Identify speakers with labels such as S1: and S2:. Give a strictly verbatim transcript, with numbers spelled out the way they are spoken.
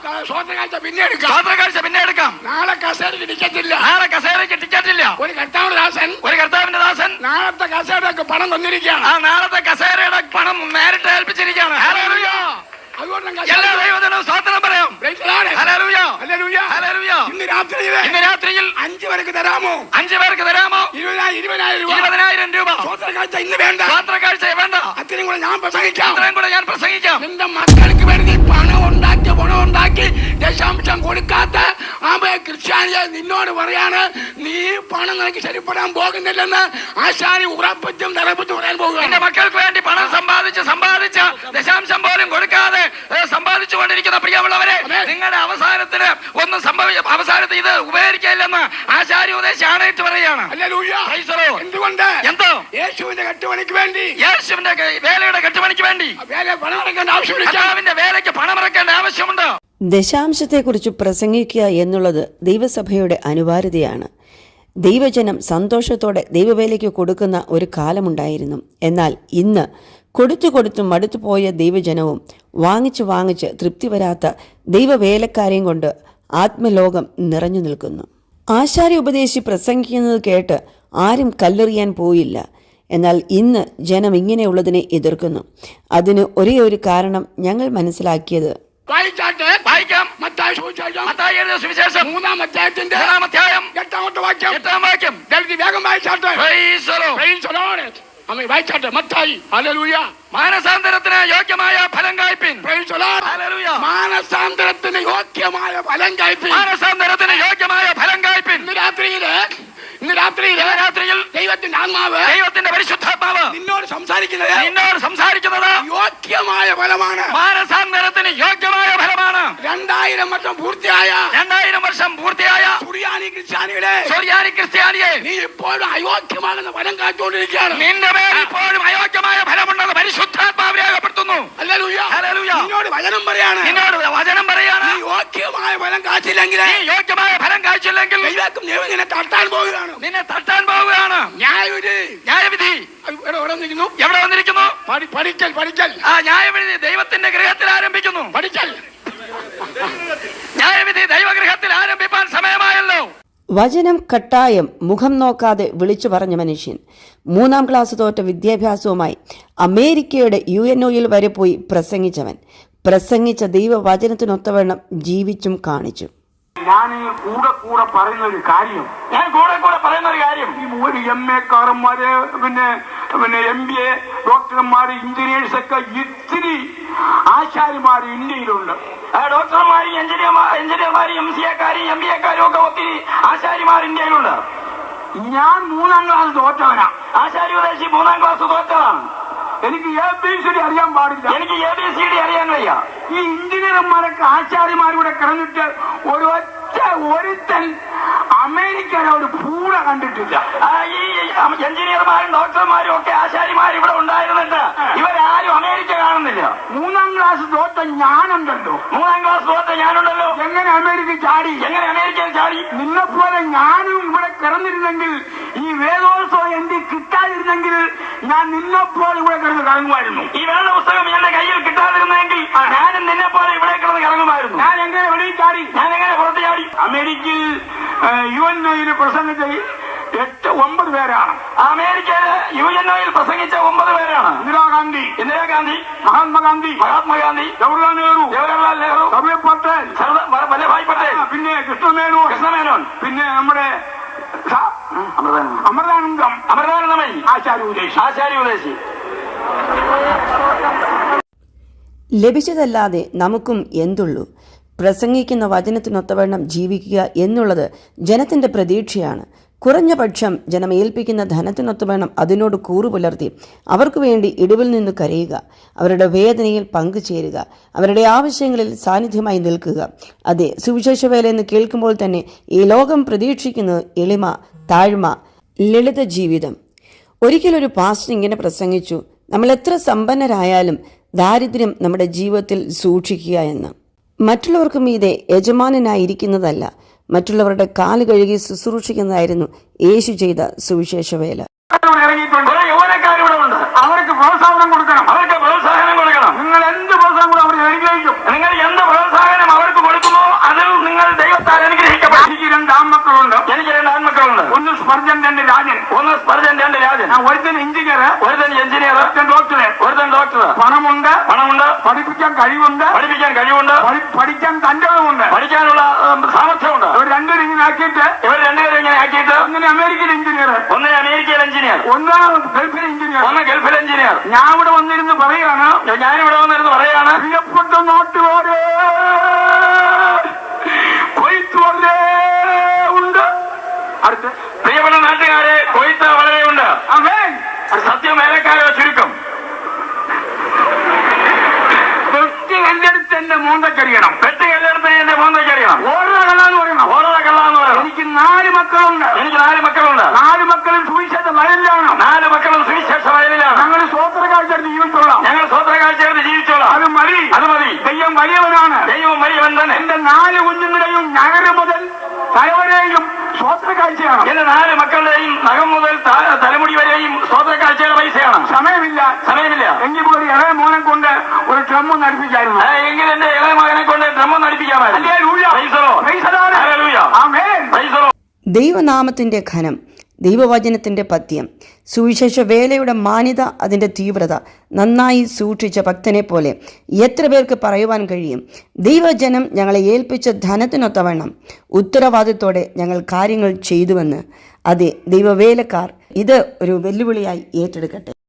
S1: സ്വതന്ത്രകാഴ്ച പിന്നെ എടുക്കാം.
S2: സ്വതന്ത്രകാഴ്ച പിന്നെ എടുക്കാം.
S1: നാളെ കസേരയ്ക്ക് ടിക്കറ്റ് ഇല്ല.
S2: നാളെ കസേരയ്ക്ക് ടിക്കറ്റ് ഇല്ല.
S1: ഒരു കർത്താവിന്റെ ദാസൻ ഒരു
S2: കർത്താവിന്റെ ദാസൻ
S1: നാളത്തെ കസേരയുടെ പണം തന്നിരിക്കുകയാണ്.
S2: ആ നാളത്തെ കസേരയുടെ പണം നേരിട്ട് ഏൽപ്പിച്ചിരിക്കുകയാണ്. ഹല്ലേലൂയ. എല്ലാ ദൈവജനവും സ്തോത്രം പറയാം. ഹല്ലേലൂയ.
S1: ഹല്ലേലൂയ.
S2: ഹല്ലേലൂയ.
S1: ഇന്ന് രാത്രിയിൽ
S2: ഇന്ന് രാത്രിയിൽ
S1: അഞ്ചു പേർക്ക് തരാമോ?
S2: അഞ്ചു പേർക്ക് തരാമോ?
S1: ഇരുപതിനായിരം രൂപ.
S2: ഇരുപതിനായിരം രൂപ.
S1: സ്വതന്ത്രകാഴ്ച ഇന്ന് വേണ്ട.
S2: സ്വതന്ത്രകാഴ്ച വേണ്ട.
S1: അത്രയും കൂടെ ഞാൻ പ്രസംഗിക്കാം.
S2: അത്രയും കൂടെ ഞാൻ പ്രസംഗിക്കാം.
S1: എന്റെ മക്കൾക്ക് വേണ്ടി പണം ഉണ്ടാക്കി പണം ഉണ്ടാക്കി ദശാംശം കൊടുക്കാത്ത ആമേ ക്രിസ്ത്യാനിയെ നിന്നോട് പറയാണ്, നീ പണം നിനക്ക് ശരിപ്പെടാൻ പോകുന്നില്ലെന്ന് ആശാരി ഉറപ്പിച്ചും നിറപ്പിച്ചും പറയാൻ പോകുക.
S2: എന്റെ മക്കൾക്ക് വേണ്ടി പണം സമ്പാദിച്ച് സമ്പാദിച്ച ദശാംശം പോലും കൊടുക്കാതെ സമ്പാദിച്ചു കൊണ്ടിരിക്കുന്ന പ്രിയമുള്ളവരെ, നിങ്ങളുടെ അവസാനത്തിന് ഒന്നും സംഭവിച്ച അവസാനത്തിൽ ഇത് ഉപകരിക്കില്ലെന്ന് ആശാരി ഉപദേശം ആണയിട്ട് പറയുകയാണ്.
S1: എന്തുകൊണ്ട്?
S2: എന്തോ
S1: യേശുവിന്റെ കെട്ടുപണിക്ക് വേണ്ടി,
S2: യേശുവിന്റെ വേലയുടെ കെട്ടുപണിക്ക് വേണ്ടി
S1: പണമിറക്കേണ്ട ആവശ്യമില്ല.
S2: കർത്താവിന്റെ വേലയ്ക്ക് പണമിറക്കേണ്ട ആവശ്യമുണ്ട്.
S3: ദശാംശത്തെക്കുറിച്ച് പ്രസംഗിക്കുക എന്നുള്ളത് ദൈവസഭയുടെ അനിവാര്യതയാണ്. ദൈവജനം സന്തോഷത്തോടെ ദൈവവേലയ്ക്ക് കൊടുക്കുന്ന ഒരു കാലമുണ്ടായിരുന്നു. എന്നാൽ ഇന്ന് കൊടുത്തു കൊടുത്തു മടുത്തുപോയ ദൈവജനവും വാങ്ങിച്ച് വാങ്ങിച്ച് തൃപ്തി വരാത്ത ദൈവവേലക്കാരെയും കൊണ്ട് ആത്മലോകം നിറഞ്ഞു നിൽക്കുന്നു. ആശാരി ഉപദേശി പ്രസംഗിക്കുന്നത് കേട്ട് ആരും കല്ലെറിയാൻ പോയില്ല. എന്നാൽ ഇന്ന് ജനം ഇങ്ങനെയുള്ളതിനെ എതിർക്കുന്നു. അതിന് ഒരേ ഒരു കാരണം ഞങ്ങൾ മനസ്സിലാക്കിയത്,
S1: മൂന്നാം അധ്യായത്തിന്റെ എട്ടാമത്തെ വാക്യം
S2: എട്ടാം വാക്യം
S1: വേഗം വായിച്ചാട്ടെ. വായിച്ചാട്ടെ. മത്തായി. ഹല്ലേലൂയ.
S2: മാനസാന്തരത്തിന് യോഗ്യമായ ഫലം കായ്പിൻ.
S1: മാനസാന്തരത്തിന് യോഗ്യമായ ഫലം കായ്പിൻ.
S2: മാനസാന്തരത്തിന് യോഗ്യമായ ഫലം കായ്പിൻ.
S1: ഇന്ന് രാത്രിയില് ഇന്ന് രാത്രിയിൽ
S2: രാത്രിയിൽ
S1: ദൈവത്തിന്റെ ആത്മാവ്,
S2: ദൈവത്തിന്റെ പരിശുദ്ധാത്മാവ്
S1: നിന്നോട് സംസാരിക്കുന്നത്
S2: നിന്നോട് സംസാരിക്കുന്നത്
S1: യോഗ്യമായ ഫലമാണ്.
S2: മാനസാന്തരത്തിന് യോഗ്യമായ ഫലമാണ്.
S1: രണ്ടായിരം വർഷം പൂർത്തിയായ
S2: രണ്ടായിരം വർഷം പൂർത്തിയായ
S1: സുറിയാനി ക്രിസ്ത്യാനികളെ
S2: സുറിയാനി ക്രിസ്ത്യാനിയെ
S1: നീ ഇപ്പോഴും അയോഗ്യമാകുന്ന ഫലം കാത്തുകൊണ്ടിരിക്കുകയാണ്.
S2: നിന്റെ പേരിൽ ഇപ്പോഴും അയോഗ്യമായ ഫലമുണ്ടെന്ന് പരിശുദ്ധാത്മാവ് രേഖപ്പെടുത്തുന്നു.
S1: ഹല്ലേലൂയ.
S2: ഹല്ലേലൂയ.
S1: നിന്നോട് വചനം പറയാണ്
S2: നിന്നോട് വചനം പറയാണ്,
S1: നീ യോഗ്യമായ ഫലം കാച്ചില്ലെങ്കിൽ,
S2: നീ യോഗ്യമായ ഫലം കാഴ്ചയില്ലെങ്കിൽ
S1: ദൈവം നിന്നെ തട്ടാൻ പോവുകയാണ്.
S2: നിന്നെ തട്ടാൻ പോവുകയാണ്.
S1: ന്യായവിധി
S2: ന്യായവിധി
S1: എവിടെ വന്നിരിക്കുന്നു?
S2: എവിടെ വന്നിരിക്കുന്നു?
S1: പഠിക്കൽ പഠിക്കൽ
S2: ആ ന്യായവിധി ദൈവത്തിന്റെ ഗൃഹത്തിൽ ആരംഭിക്കുന്നു.
S1: പഠിക്കൽ
S2: ന്യായവിധി ദൈവഗൃഹത്തിൽ ആരംഭിപ്പാൻ സമയമായല്ലോ.
S3: വചനം കട്ടായം മുഖം നോക്കാതെ വിളിച്ചു പറഞ്ഞ മനുഷ്യൻ, മൂന്നാം ക്ലാസ് തോറ്റ വിദ്യാഭ്യാസവുമായി അമേരിക്കയുടെ യു എൻ ഒയിൽ വരെ പോയി പ്രസംഗിച്ചവൻ, പ്രസംഗിച്ച ദൈവവചനത്തിനൊത്തവണ്ണം ജീവിച്ചും കാണിച്ചു.
S1: ഞാൻ കൂടെ കൂടെ പറയുന്ന ഒരു കാര്യം
S2: ഞാൻ കൂടെ കൂടെ പറയുന്ന ഒരു കാര്യം
S1: ഈ ഒരു എം എ കാരന്മാര് പിന്നെ പിന്നെ എം ബി എ ഡോക്ടർമാര് എഞ്ചിനീയേഴ്സ് ഒക്കെ ഇത്തിരി ആശാരിമാര് ഇന്ത്യയിലുണ്ട്.
S2: ഡോക്ടർമാരും എഞ്ചിനീയർമാർ എഞ്ചിനീയർമാരും എം സി എക്കാരും എം ബി എക്കാരും ഒക്കെ ഒത്തിരി ആശാരിമാർ ഇന്ത്യയിലുണ്ട്.
S1: ഞാൻ മൂന്നാം ക്ലാസ് തോറ്റവനാ.
S2: ആശാരി ഉപദേശി മൂന്നാം ക്ലാസ് തോറ്റതാണ്.
S1: എനിക്ക് എ ബി സി ഡി അറിയാൻ പാടില്ല.
S2: എനിക്ക് എ ബി സി ഡി അറിയാൻ വയ്യ.
S1: ഈ എഞ്ചിനീയർമാരൊക്കെ ആശാരിമാരുടെ കിടന്നിട്ട് ഒരു ഒറ്റ ഒരുത്തൻ അമേരിക്കയിലെ ഒരു പൂട കണ്ടിട്ടില്ല.
S2: ഈ എഞ്ചിനീയർമാരും ഡോക്ടർമാരും ഒക്കെ ആശാരിമാരും ഇവിടെ ഉണ്ടായിരുന്നിട്ട് ഇവരാരും അമേരിക്ക കാണുന്നില്ല.
S1: മൂന്നാം ക്ലാസ് തോറ്റ ഞാനുണ്ടല്ലോ.
S2: മൂന്നാം ക്ലാസ് തോറ്റ ഞാനുണ്ടല്ലോ.
S1: എങ്ങനെ അമേരിക്ക ചാടി?
S2: എങ്ങനെ അമേരിക്കയിൽ ചാടി?
S1: നിന്നെപ്പോലെ ഞാനും ഇവിടെ കിടന്നിരുന്നെങ്കിൽ, ഈ വേദോത്സവം എനിക്ക് കിട്ടാതിരുന്നെങ്കിൽ ഞാൻ നിന്നെപ്പോലെ ഇവിടെ കിടന്ന് കറങ്ങുമായിരുന്നു.
S2: ഈ വേദ പുസ്തകം എന്റെ കയ്യിൽ കിട്ടാതിരുന്നെങ്കിൽ ഞാനും നിന്നെ പോലെ ഇവിടെ കിടന്ന് കറങ്ങുമായിരുന്നു.
S1: ഞാൻ എങ്ങനെ വെളിയിൽ ചാടി?
S2: ഞാൻ എങ്ങനെ പുറത്ത് ചാടി?
S1: അമേരിക്കയിൽ യു എൻ ഒയിൽ പ്രസംഗിച്ച എട്ട് ഒമ്പത് പേരാണ്.
S2: അമേരിക്കയില് യു എൻ ഒയിൽ പ്രസംഗിച്ച ഒമ്പത് പേരാണ്.
S1: ഇന്ദിരാഗാന്ധി,
S2: ഇന്ദിരാഗാന്ധി,
S1: മഹാത്മാഗാന്ധി,
S2: മഹാത്മാഗാന്ധി,
S1: ജവഹർലാൽ നെഹ്റു,
S2: ജവഹർലാൽ നെഹ്റു,
S1: സർദാർ പട്ടേൽ,
S2: വല്ലഭായ് പട്ടേൽ,
S1: പിന്നെ കൃഷ്ണമേനോൻ,
S2: കൃഷ്ണമേനോൻ,
S1: പിന്നെ നമ്മുടെ അമൃതാനന്ദം,
S2: അമൃതാനന്ദമയി,
S1: ആശാരി ഉപദേശി,
S2: ആശാരി ഉപദേശി.
S3: ലഭിച്ചതല്ലാതെ നമുക്കും എന്തുള്ളൂ? പ്രസംഗിക്കുന്ന വചനത്തിനൊത്തവണ്ണം ജീവിക്കുക എന്നുള്ളത് ജനത്തിൻ്റെ പ്രതീക്ഷയാണ്. കുറഞ്ഞ പക്ഷം ജനം ഏൽപ്പിക്കുന്ന ധനത്തിനൊത്തവണ്ണം അതിനോട് കൂറുപുലർത്തി അവർക്ക് വേണ്ടി ഇടിവിൽ നിന്ന് കരയുക, അവരുടെ വേദനയിൽ പങ്കുചേരുക, അവരുടെ ആവശ്യങ്ങളിൽ സാന്നിധ്യമായി നിൽക്കുക. അതെ, സുവിശേഷ വേല എന്ന് കേൾക്കുമ്പോൾ തന്നെ ഈ ലോകം പ്രതീക്ഷിക്കുന്നത് എളിമ, താഴ്മ, ലളിത ജീവിതം. ഒരിക്കലൊരു പാസ്റ്റർ ഇങ്ങനെ പ്രസംഗിച്ചു, നമ്മൾ എത്ര സമ്പന്നരായാലും ദാരിദ്ര്യം നമ്മുടെ ജീവിതത്തിൽ സൂക്ഷിക്കുക എന്ന്. മറ്റുള്ളവർക്ക് മീതെ യജമാനനായിരിക്കുന്നതല്ല, മറ്റുള്ളവരുടെ കാല് കഴുകി ശുശ്രൂഷിക്കുന്നതായിരുന്നു യേശു ചെയ്ത സുവിശേഷ വേല.
S1: അവർക്ക് പ്രോത്സാഹനം കൊടുക്കണം.
S2: അവർക്ക് പ്രോത്സാഹനം കൊടുക്കണം.
S1: നിങ്ങൾ എന്ത് പ്രോത്സാഹനം അവർ അനുഗ്രഹിക്കും.
S2: നിങ്ങൾ എന്ത് പ്രോത്സാഹനം അവർക്ക് കൊടുക്കും. സ്പർജൻ രണ്ട് രാജൻ.
S1: ഒരുത്തൻ എഞ്ചിനീയർ,
S2: ഒരുത്തൻ എഞ്ചിനീയർ,
S1: ഒരുത്തൻ ഡോക്ടർ.
S2: ഒരുത്തൻ ഡോക്ടർ.
S1: പണമുണ്ട്,
S2: പണമുണ്ട്,
S1: പഠിപ്പിക്കാൻ കഴിവുണ്ട്,
S2: പഠിപ്പിക്കാൻ കഴിവുണ്ട്,
S1: പഠി- പഠിക്കാൻ തന്റേതുമുണ്ട്,
S2: പഠിക്കാനുള്ള ഉം, സാമർഥ്യമുണ്ട്.
S1: ഇവർ രണ്ടുപേരും ഇങ്ങനെ ആക്കിയിട്ട്
S2: ഇവർ രണ്ടുപേരും ഇങ്ങനെ ആക്കിയിട്ട്
S1: ഒന്നിന് അമേരിക്കൻ എഞ്ചിനീയർ,
S2: ഒന്ന് അമേരിക്കയിൽ എഞ്ചിനീയർ,
S1: ഒന്നാം ഗൾഫിൽ എഞ്ചിനീയർ.
S2: ഒന്ന് ഗൾഫിൽ എഞ്ചിനീയർ.
S1: ഞാൻ ഇവിടെ വന്നിരുന്ന് പറയാണ്,
S2: ഞാനിവിടെ വന്നിരുന്ന് പറയാണ്,
S1: പ്രിയപ്പെട്ട നാട്ടുകാരെ, കൊയ്ത്ത് വളരെ ഉണ്ട്. അടുത്ത്
S2: പ്രിയപ്പെട്ട നാട്ടുകാരെ, കൊയ്ത്ത് വളരെയുണ്ട്.
S1: ആമേൻ.
S2: സത്യം വേലക്കാരോ ചുരുക്കം.
S1: വെട്ടി കല്ലെടുത്ത് എന്റെ മോന്തക്കറിയണം,
S2: വെട്ടി കല്ലെടുത്ത് എന്റെ മോന്തയ്ക്കറിയണം.
S1: ഓരോ കള്ളാന്ന് പറയണം.
S2: ഓരോ കള്ളാന്ന് പറയണം.
S1: എനിക്ക് നാല് മക്കളുണ്ട്.
S2: എനിക്ക് നാല് മക്കളുണ്ട്.
S1: നാല് മക്കളും സുവിശേഷ വയലിലാണ്.
S2: നാല് മക്കളും സുവിശേഷ വയലിലാണ്.
S1: ഞങ്ങൾ സ്വോത്ര കാഴ്ച ജീവിച്ചോളാം.
S2: ഞങ്ങൾ സ്വോത്ര കാഴ്ചയെടുത്ത് ജീവിച്ചോളാം.
S1: അത് മതി,
S2: അത് മതി.
S1: ദൈവം വലിയവനാണ്.
S2: ദൈവം വലിയവൻ തന്നെ.
S1: എന്റെ നാല് കുഞ്ഞുങ്ങളെയും ഞകര മുതൽ തലവരെയും സ്വോത്ര കാഴ്ചയാണ്.
S2: എന്റെ നാല് മക്കളുടെയും നഖം മുതൽ ത- തലമുടി വരെയും സ്വോത്ര കാഴ്ചയുടെ പൈസയാണ്.
S1: സമയമില്ല,
S2: സമയമില്ല.
S1: എങ്കിൽ പോലും ഇളയ മോനെ കൊണ്ട് ഒരു ഡ്രമ്മ് നടിപ്പിക്കായിരുന്നു.
S2: ആ, എങ്കിൽ എന്റെ ഇളയ മകനെ കൊണ്ട് ഡ്രമ്മ നടിപ്പിക്കാമായിരുന്നു.
S1: Hallelujah.
S2: Praise the Lord.
S1: Praise the Lord.
S2: Hallelujah.
S1: Amen.
S2: Praise the Lord.
S3: ദൈവനാമത്തിൻ്റെ ഘനം, ദൈവവചനത്തിൻ്റെ പഥ്യം, സുവിശേഷ വേലയുടെ മാന്യത, അതിൻ്റെ തീവ്രത നന്നായി സൂക്ഷിച്ച ഭക്തനെ പോലെ എത്ര പേർക്ക് പറയുവാൻ കഴിയും? ദൈവജനം ഞങ്ങളെ ഏൽപ്പിച്ച ധനത്തിനൊത്തവണ്ണം ഉത്തരവാദിത്തോടെ ഞങ്ങൾ കാര്യങ്ങൾ ചെയ്തുവെന്ന്. അതെ, ദൈവവേലക്കാർ ഇത് ഒരു വെല്ലുവിളിയായി ഏറ്റെടുക്കട്ടെ.